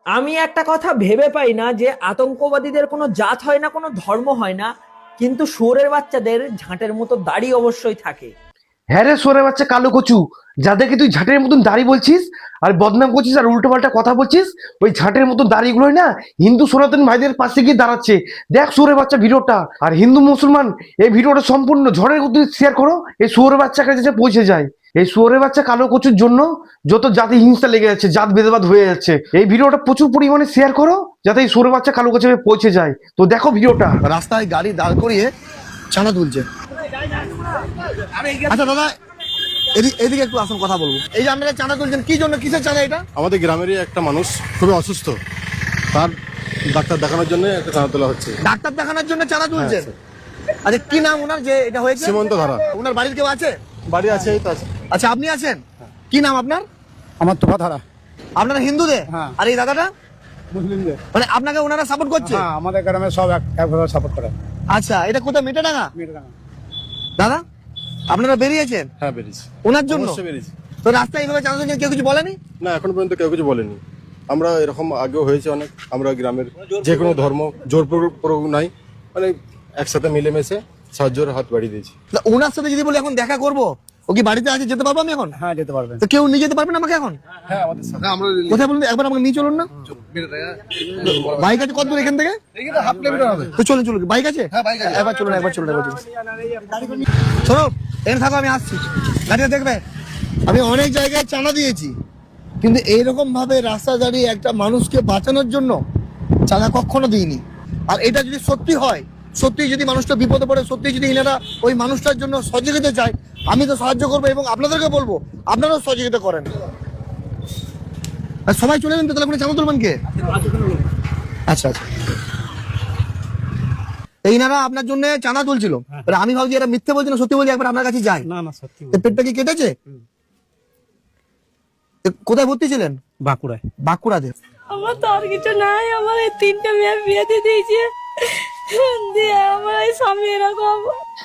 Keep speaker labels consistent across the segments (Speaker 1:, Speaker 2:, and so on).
Speaker 1: আমি একটা কথা ভেবে পাই না যে আতঙ্কবাদীদের কোনো জাত হয় না, কোনো ধর্ম হয় না, কিন্তু শুয়োরের বাচ্চাদের ঝাঁটের মতো দাড়ি অবশ্যই থাকে।
Speaker 2: হ্যাঁ রে সোরে বাচ্চা কালো কচু, যাদেরকে তুই ঝাঁটের মতন দাড়ি বলছিস আর বদনাম করছিস আর উল্টো পাল্টা কথা বলছিস, ওই ঝাঁটের মতন দাড়িগুলোই না হিন্দু সনাতন ভাইদের পাশে গিয়ে দাঁড়াচ্ছে। দেখ সোরে বাচ্চা ভিডিওটা, আর হিন্দু মুসলমান এই ভিডিওটা সম্পূর্ণ ঝড়ের গতি শেয়ার করো, এই শুয়োরের বাচ্চার কাছে পৌঁছে যায়। এই শুয়োরের বাচ্চা কালো কচুর জন্য যত জাতি হিংসা লেগে যাচ্ছে, জাত ভেদাভেদ হয়ে যাচ্ছে, এই ভিডিওটা প্রচুর পরিমাণে শেয়ার করো যাতে এই শুয়োরের বাচ্চা কালো কচু পৌঁছে যায়। তো দেখো ভিডিওটা।
Speaker 3: রাস্তায় গাড়ি দাঁড় করিয়ে চাঁদা তুলছে। আচ্ছা দাদা, এদিকে একটু আসুন, কথা বলবো। এই যে আপনারা চাঁদা তুলছেন কি জন্য, কিসের চাঁদা এটা?
Speaker 4: আমাদের গ্রামেরই একটা মানুষ খুবই অসুস্থ, তার ডাক্তার দেখানোর জন্য একটা চাঁদা তোলা হচ্ছে।
Speaker 3: ডাক্তার দেখানোর জন্য চাঁদা তুলছেন? আচ্ছা, কি নাম ওনার যে এটা হয়েছে?
Speaker 4: সীমন্ত ধারা।
Speaker 3: ওনার বাড়ির কেউ আছে?
Speaker 4: বাড়ি আছে, এই তো আছে।
Speaker 3: আচ্ছা, আপনি আছেন? কি নাম আপনার?
Speaker 5: আমার তো ধারা
Speaker 3: আপনারা হিন্দুদের?
Speaker 5: হ্যাঁ।
Speaker 3: আর এই দাদাটা
Speaker 5: মুসলিমদের।
Speaker 3: মানে আপনাকে ওনারা সাপোর্ট করছে?
Speaker 5: হ্যাঁ, আমাদের গ্রামে সব একভাবে সাপোর্ট করে।
Speaker 3: আচ্ছা, এটা কোথায়, মেটেডাঙ্গা?
Speaker 5: মেয়েটাকে।
Speaker 3: দাদা, আপনারা বেরিয়েছেন
Speaker 4: হ্যাঁ, বেরিয়েছি।
Speaker 3: ওনার জন্য?
Speaker 4: অবশ্যই বেরিয়েছি।
Speaker 3: তো রাস্তায় এইভাবে চাঁদা তুলছেন, কেউ কিছু বলেনি?
Speaker 4: না, এখন পর্যন্ত কেউ কিছু বলেনি। আমরা এরকম আগেও হয়েছে অনেক, আমরা গ্রামের যে কোনো ধর্ম জোর প্রয়োগ নাই, মানে একসাথে মিলেমিশে সাহায্যের হাত বাড়িয়ে দিয়েছি।
Speaker 3: তা ওনার সাথে যদি বলি এখন দেখা করবো, ও কি বাড়িতে আছে, যেতে পারবো আমি এখন?
Speaker 5: হ্যাঁ, যেতে পারবেন।
Speaker 3: তো কেউ নিয়ে যেতে পারবেন আমাকে এখন?
Speaker 5: হ্যাঁ, আমাদের সাথে।
Speaker 3: কোথায় বলুন, একবার আমাকে নিয়ে চলুন না। বাইক আছে কত দূর এখান থেকে?
Speaker 5: হাফ কিলোমিটার হবে।
Speaker 3: তো চলুন চলুন, বাইক আছে?
Speaker 5: হ্যাঁ, বাইক আছে।
Speaker 3: একবার চলুন, একবার চলুন, একবার চলুন। শোনো, এখানে থাকো, আমি আসছি। গাড়িটা দেখবে, আমি অনেক জায়গায় চাঁদা দিয়েছি, কিন্তু এইরকম ভাবে রাস্তা দাঁড়িয়ে একটা মানুষকে বাঁচানোর জন্য চাঁদা কখনো দিইনি। আর এটা যদি সত্যি হয়, সত্যি যদি মানুষটা বিপদে পড়ে, সত্যি যদি এনারা ওই মানুষটার জন্য সহযোগিতা চায়, আমি তো সাহায্য করবো এবং আপনাদেরকে বলবো আপনারাও সহযোগিতা করেন। আর সবাই চলে যাবেন তো, তাহলে আপনি চাঁদা তুলবেন কে? আচ্ছা আচ্ছা, এইনারা আপনার জন্য চাঁদা তুলছিল, এবার আমি ভাবছি এরা মিথ্যে বলছে না সত্যি বলছি, একবার আপনার কাছে যাই।
Speaker 5: না না, সত্যি
Speaker 3: এর পেটটা কি কেটেছে? কোথায় ভর্তি ছিলেন?
Speaker 5: বাঁকুড়ায়।
Speaker 3: বাঁকুড়াতে?
Speaker 6: আমার তো আর কিছু নাই, আমার এই তিনটে মেয়ে বিয়ে দিয়ে দিয়েছে, দিয়ে আমার এই স্বামী এরকম।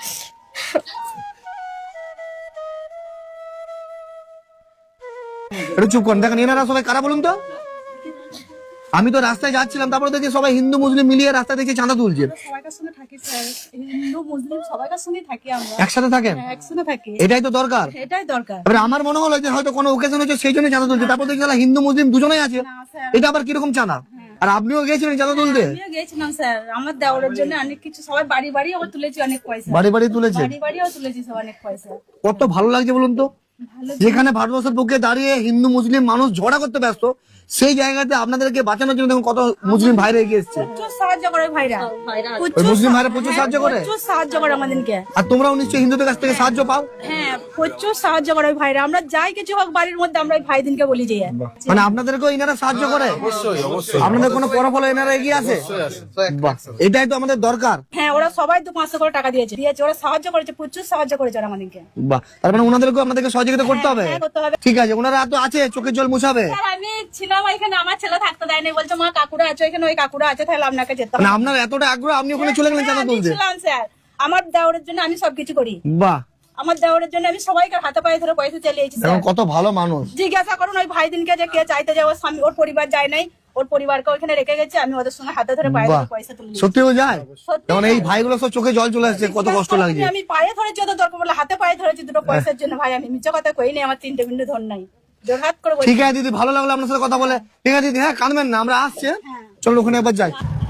Speaker 3: একটু চুপ করেন, দেখেন এনারা সবাই কারা বলুন তো? আমি তো রাস্তায় যাচ্ছিলাম, তারপরে দেখি সবাই হিন্দু মুসলিম মিলিয়ে রাস্তা দেখে চাঁদা তুলছে।
Speaker 6: সবাইকার সঙ্গে থাকি স্যার, হিন্দু মুসলিম সবাইকার সঙ্গে থাকি আমরা,
Speaker 3: একসাথে থাকেন?
Speaker 6: হ্যাঁ, একসঙ্গে থাকি,
Speaker 3: এটাই তো দরকার।
Speaker 6: এটাই দরকার।
Speaker 3: এবার আমার মনে হলো যে হয়তো কোনো ওকেশন হচ্ছে সেই জন্য চাঁদা তুলছে, তারপর দেখি শালা হিন্দু মুসলিম দুজনেই আছে,
Speaker 6: না স্যার,
Speaker 3: এটা আবার কিরকম চাঁদা? আর আপনিও গেছিলেন চাঁদা তুলতে?
Speaker 6: আমিও গেছিলাম স্যার, আমার দেওরের জন্য অনেক কিছু, সবাই বাড়ি বাড়ি আমার তুলেছি অনেক পয়সা,
Speaker 3: বাড়ি বাড়ি তুলেছে?
Speaker 6: বাড়ি বাড়িও তুলেছি সব অনেক পয়সা।
Speaker 3: কত ভালো লাগছে বলুন তো,
Speaker 6: ভালো,
Speaker 3: যেখানে ভারতবর্ষের পক্ষে দাঁড়িয়ে হিন্দু মুসলিম মানুষ ঝগড়া করতে ব্যস্ত, সেই জায়গাতে আপনাদেরকে বাঁচানোর জন্য দেখুন কত মুসলিম ভাইরা এগিয়ে এসছে।
Speaker 6: প্রচুর সাহায্য করে ভাইরা,
Speaker 3: ওই মুসলিম ভাইরা প্রচুর সাহায্য করে?
Speaker 6: প্রচুর সাহায্য করে আমাদেরকে।
Speaker 3: আর তোমরাও নিশ্চয়ই হিন্দুদের কাছ থেকে সাহায্য পাও?
Speaker 6: হ্যাঁ, প্রচুর সাহায্য করে ওই ভাইরা, আমরা যাই কিছু হোক বাড়ির মধ্যে আমরা ওই ভাই দিনকে বলি যে
Speaker 3: মানে আপনাদেরকেও এনারা সাহায্য করে?
Speaker 4: অবশ্যই অবশ্যই।
Speaker 3: আপনাদের কোনো পরফলে এনারা এগিয়ে আসে? বাহ, এটাই তো আমাদের দরকার।
Speaker 6: হ্যাঁ, ওরা সবাই 200-500 করে টাকা দিয়েছে, ওরা সাহায্য করেছে, প্রচুর সাহায্য করেছে ওরা আমাদেরকে।
Speaker 3: বাহ, তার মানে ওনাদেরকেও আপনাদেরকে সহযোগিতা করতে হবে?
Speaker 6: হ্যাঁ, করতে হবে।
Speaker 3: ঠিক আছে, ওনারা তো আছে, চোখের জল মুছাবে।
Speaker 6: স্যার, আমি ছিলাম এখানে, আমার ছেলে থাকতে দেয়নি, বলছে মা কাকুরা আছে এখানে, ওই কাকুরা আছে, তাহলে আপনাকে যেতে
Speaker 3: মানে
Speaker 6: হবে।
Speaker 3: আপনার এতটা আগ্রহ, আপনি ওখানে চলে গেলেন চাঁদা
Speaker 6: আমি
Speaker 3: তুলতে?
Speaker 6: ছিলাম স্যার, আমার দেওরের জন্য আমি সবকিছু করি,
Speaker 3: বাহ,
Speaker 6: আমার দেওরের জন্য আমি সবাইকে হাতে পায়ে ধরে পয়সা চালিয়েছি
Speaker 3: এবং
Speaker 6: স্যার।
Speaker 3: কত ভালো মানুষ।
Speaker 6: জিজ্ঞাসা করুন ওই ভাই দিনকে যে কে চাইতে যায়, ওর স্বামী, ওর পরিবার যায় নাই, ওর পরিবারকে ওখানে রেখে গেছে, আমি ওদের সঙ্গে হাতে ধরে পায়ে
Speaker 3: বাহ,
Speaker 6: ধরে পয়সা তুলে দিয়েছি।
Speaker 3: সত্যিও যায়?
Speaker 6: সত্যি
Speaker 3: যেমন এই ভাইগুলো সব চোখে জল চলে আসছে, কত কষ্ট লাগছে।
Speaker 6: আমি পায়ে ধরেছি, ওদের দরকার বলে হাতে পায়ে ধরেছি দুটো পয়সার জন্য ভাই, আমি মিথ্যা কথা কইনি, আমার 3টে বিন্দু ধর নাই, জোরহাত করে বলছি।
Speaker 3: ঠিক আছে দিদি, ভালো লাগলো আপনার সাথে কথা বলে। ঠিক আছে দিদি, হ্যাঁ কাঁদবেন না, আমরা আসছি, চলো ওখানে একবার যাই।